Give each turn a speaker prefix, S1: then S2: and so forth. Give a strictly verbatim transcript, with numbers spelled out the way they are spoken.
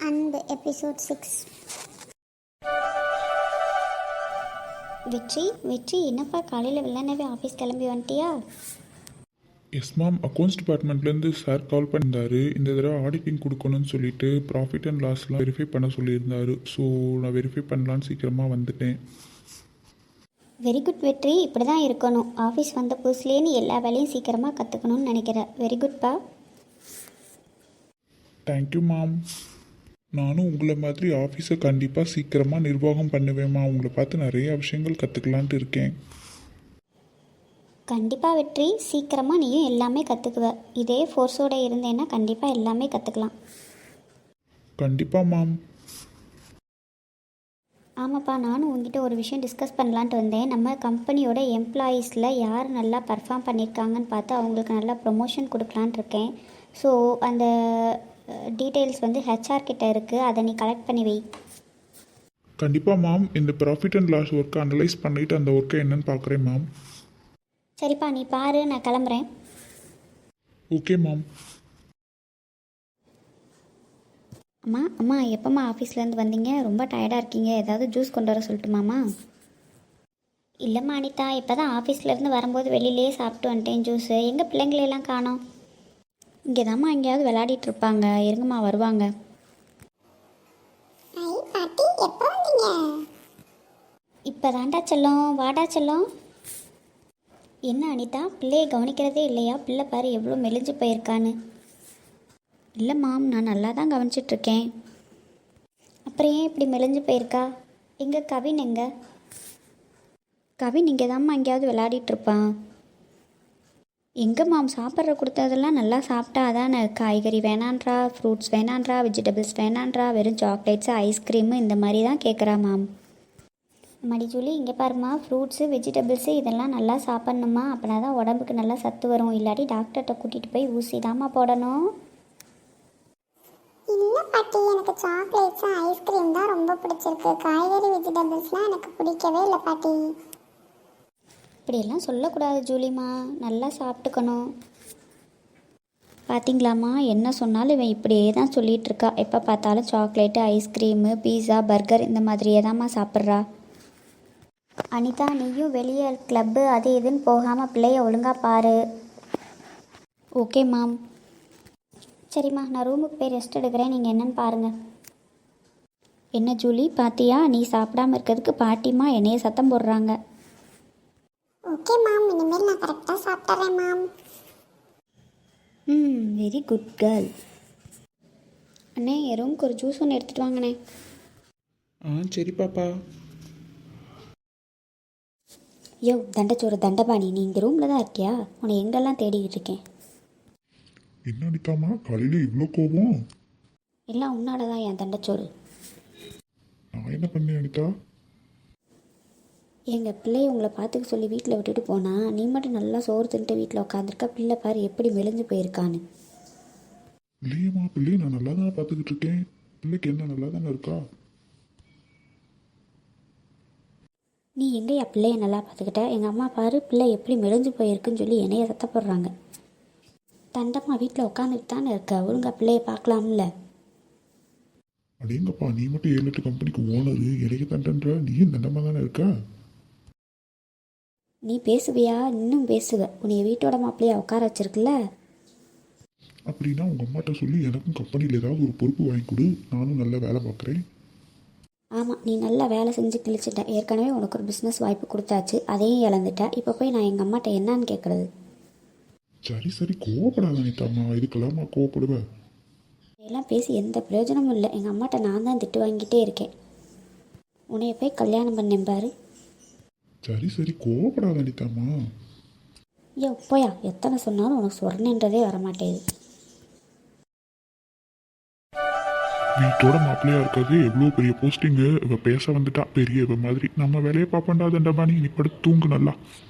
S1: அன்பு episode six. வெற்றி வெற்றி என்னப்பா காலையில் வெள்ளனவே ஆஃபீஸ் கிளம்பி வந்துட்டியா?
S2: எஸ் மேம், அக்கௌண்ட்ஸ் டிபார்ட்மெண்ட்லேருந்து சார் கால் பண்ணியிருந்தாரு. இந்த தடவை ஆடிட்டிங் கொடுக்கணும்னு சொல்லிட்டு ப்ராஃபிட் அண்ட் லாஸ்லாம் வெரிஃபை பண்ண சொல்லியிருந்தாரு. ஸோ நான் வெரிஃபை பண்ணலான்னு சீக்கிரமாக வந்துட்டேன்.
S1: வெரி குட் வெற்றி, இப்படி தான் இருக்கணும். ஆஃபீஸ் வந்த புதுசுலேயே நீ எல்லா வேலையும் சீக்கிரமாக கற்றுக்கணும்னு நினைக்கிறேன். வெரி குட்ப்பா.
S2: Thank you ma'am. நானும் உங்களை மாதிரி ஆஃபீஸை கண்டிப்பாக சீக்கிரமாக நிர்வாகம் பண்ணுவேம்மா. உங்களை பார்த்து நிறைய விஷயங்கள் கற்றுக்கலான்ட்டு இருக்கேன்.
S1: கண்டிப்பாக வெற்றி, சீக்கிரமாக நீயும் எல்லாமே கற்றுக்குவ. இதே ஃபோர்ஸோடு இருந்தேன்னா கண்டிப்பாக எல்லாமே கற்றுக்கலாம்.
S2: கண்டிப்பாக மேம்.
S1: ஆமாப்பா, நானும் உங்ககிட்ட ஒரு விஷயம் டிஸ்கஸ் பண்ணலான்ட்டு வந்தேன். நம்ம கம்பெனியோட எம்ப்ளாயீஸில் யார் நல்லா பர்ஃபார்ம் பண்ணியிருக்காங்கன்னு பார்த்து அவங்களுக்கு நல்லா ப்ரொமோஷன் கொடுக்கலான்ட்டு இருக்கேன். ஸோ அந்த டீட்டெயில்ஸ் வந்து ஹெச்ஆர் கிட்ட இருக்குது, அதை நீ கலெக்ட் பண்ணி வை.
S2: கண்டிப்பாக மேம். இந்த ப்ராஃபிட் அண்ட் லாஸ் ஒர்க்கை அனலைஸ் பண்ணிவிட்டு அந்த ஒர்க்கை என்னன்னு பார்க்குறேன் மேம்.
S1: சரிப்பா, நீ பாரு, நான் கிளம்புறேன்.
S2: Okay ma'am.
S1: அம்மா அம்மா எப்போம்மா ஆஃபீஸ்லேருந்து வந்தீங்க? ரொம்ப டயர்டாக இருக்கீங்க. ஏதாவது ஜூஸ் கொண்டு வர சொல்லட்டுமாம்மா? இல்லைம்மா அனிதா, இப்போ தான் ஆஃபீஸ்லேருந்து வரும்போது வெளியிலேயே சாப்பிட்டு வந்துட்டேன் ஜூஸு. எங்கள் பிள்ளைங்களெல்லாம் காணோம். இங்கே தாம்மா எங்கேயாவது விளையாடிட்டு இருப்பாங்க. இருங்கம்மா, வருவாங்க. இப்போ தாண்டா செல்லம், வாடா செல்லம். என்ன அனிதா, பிள்ளையை கவனிக்கிறதே இல்லையா? பிள்ளை பாரு எவ்வளோ மெலிஞ்சு போயிருக்கான்னு. இல்லை மாம், நான் நல்லா தான் கவனிச்சிட்ருக்கேன். அப்புறம் ஏன் இப்படி மெலிஞ்சு போயிருக்கா? எங்கே கவின்? எங்கே கவின்? இங்கே தாம்மா எங்கேயாவது விளையாடிட்டுருப்பான். எங்கே மாம், சாப்பிட்ற கொடுத்ததெல்லாம் நல்லா சாப்பிட்டா அதானே. காய்கறி வேணான்றா, ஃப்ரூட்ஸ் வேணான்றா, வெஜிடபிள்ஸ் வேணான்றா, வெறும் சாக்லேட்ஸு ஐஸ்கிரீமு இந்த மாதிரி தான் கேட்குறா மாம். மடி ஜூலி, இங்கே பாருமா, ஃப்ரூட்ஸு வெஜிடபிள்ஸு இதெல்லாம் நல்லா சாப்பிட்ணுமா. அப்படின்னா தான் உடம்புக்கு நல்லா சத்து வரும். இல்லாட்டி டாக்டர்கிட்ட கூட்டிகிட்டு போய் ஊசி தாம்மா போடணும்.
S3: இல்லை பாட்டி, எனக்கு சாக்லேட்ஸும் ஐஸ்கிரீம் தான் ரொம்ப பிடிச்சிருக்கு. காய்கறி வெஜிடபிள்ஸ்லாம் எனக்கு பிடிக்கவே இல்லை பாட்டி.
S1: இப்படியெல்லாம் சொல்லக்கூடாது ஜூலிமா, நல்லா சாப்பிட்டுக்கணும். பார்த்தீங்களாம்மா, என்ன சொன்னாலும் இவன் இப்படியே தான் சொல்லிகிட்டு இருக்கா. எப்போ பார்த்தாலும் சாக்லேட்டு, ஐஸ்கிரீமு, பீஸா, பர்கர் இந்த மாதிரியே தாம்மா சாப்பிட்றா. அனிதா, நீயும் வெளியே கிளப்பு அது இதுன்னு போகாமல் பிள்ளைய ஒழுங்காக பாரு. Okay mom. சரிம்மா, நான் ரூமுக்கு போய் ரெஸ்ட் எடுக்கிறேன். நீங்கள் என்னன்னு பாருங்கள். என்ன ஜூலி, பாத்தியா? நீ சாப்பிடாமல் இருக்கிறதுக்கு பாட்டிம்மா என்னைய சத்தம் போடுறாங்க.
S3: ஓகே மாம், இனிமேல் நான் கரெக்டாக சாப்பிட்றேன் மாம்.
S1: ம் வெரி குட் கேர்ள். அண்ணே, என் ரூமுக்கு ஒரு ஜூஸ் ஒன்று எடுத்துகிட்டு வாங்கண்ணே.
S2: ஆ சரி பாப்பா.
S1: யோ தண்டச்சோறு தண்டபாணி, நீ இந்த ரூமில் தான் இருக்கியா? உன்னை எங்கெல்லாம் தேடிக்கிட்டு இருக்கேன்.
S2: என்ன அடிக்காமா காலையில் இவ்வளோ கோபம்?
S1: எல்லாம் உன்னால தான் என் தண்டச்சோறு.
S2: நான் என்ன பண்ணேன் அனிதா?
S1: எங்கள் பிள்ளைய உங்களை பார்த்துக்க சொல்லி வீட்டில் விட்டுட்டு போனா, நீ மட்டும் நல்லா சோறு தின்ட்டு வீட்டில் உட்காந்துருக்க. பிள்ளை பாரு எப்படி மெலிஞ்சு போயிருக்கான்னு.
S2: இல்லையம்மா, பிள்ளையை நான் நல்லா தானே பார்த்துக்கிட்டு இருக்கேன். பிள்ளைக்கு என்ன நல்லா தானே இருக்கா?
S1: நீ எங்கேயா பிள்ளைய நல்லா பார்த்துக்கிட்ட? எங்கள் அம்மா பாரு பிள்ளை எப்படி மெலிஞ்சு போயிருக்குன்னு சொல்லி என்னைய சத்தப்படுறாங்க. தண்டம்மா வீட்டில் உட்காந்துட்டு தானே இருக்க, ஒழுங்கா பிள்ளைய பார்க்கலாம்ல.
S2: அடேங்கப்பா, நீ மட்டும் ஏழு எட்டு கம்பெனிக்கு ஓனரு, இடையே தண்டன்ற, நீயும் தண்டமாக தானே இருக்க.
S1: நீ பேசுவியா? இன்னும் பேசுவ. உன்னைய வீட்டோட மாப்பிள்ளையா உட்கார வச்சிருக்குல்ல.
S2: அப்படின்னா உங்கள் அம்மாட்ட சொல்லி எனக்கும் கம்பெனியில் ஏதாவது ஒரு பொறுப்பு வாங்கி கொடு, நானும் நல்ல வேலை பார்க்குறேன்.
S1: ஆமாம், நீ நல்லா வேலை செஞ்சு கிழிச்சிட்ட. ஏற்கனவே உனக்கு ஒரு பிஸ்னஸ் வாய்ப்பு கொடுத்தாச்சு, அதையும் இழந்துட்ட. இப்போ போய் நான் எங்கள் அம்மாட்ட என்னான்னு கேட்குறது?
S2: சரி சரி, கோவப்படாத அனிதாம்மா, இதுக்கெல்லாமா கோவப்படுவேன்?
S1: இதெல்லாம் பேசி எந்த பிரயோஜனமும் இல்லை. எங்கள் அம்மாட்ட நான் தான் திட்டு வாங்கிட்டே இருக்கேன். உன்னைய போய் கல்யாணம் பண்ணேன் பாரு.
S2: சரி சரி, கோவப்படாத அனிதாம்மா.
S1: ஐயோ போயா, எத்தனை சொன்னாலும் உனக்கு சொர்ணன்றதே வரமாட்டேது.
S2: வீட்டோட மாப்பிள்ளையா இருக்காது, எவ்வளோ பெரிய போஸ்டிங்கு. இவ பேச வந்துட்டா பெரிய இவ மாதிரி. நம்ம வேலையை பார்ப்பண்டா தண்டபாணி, நீ படுத்து தூங்கு நல்லா.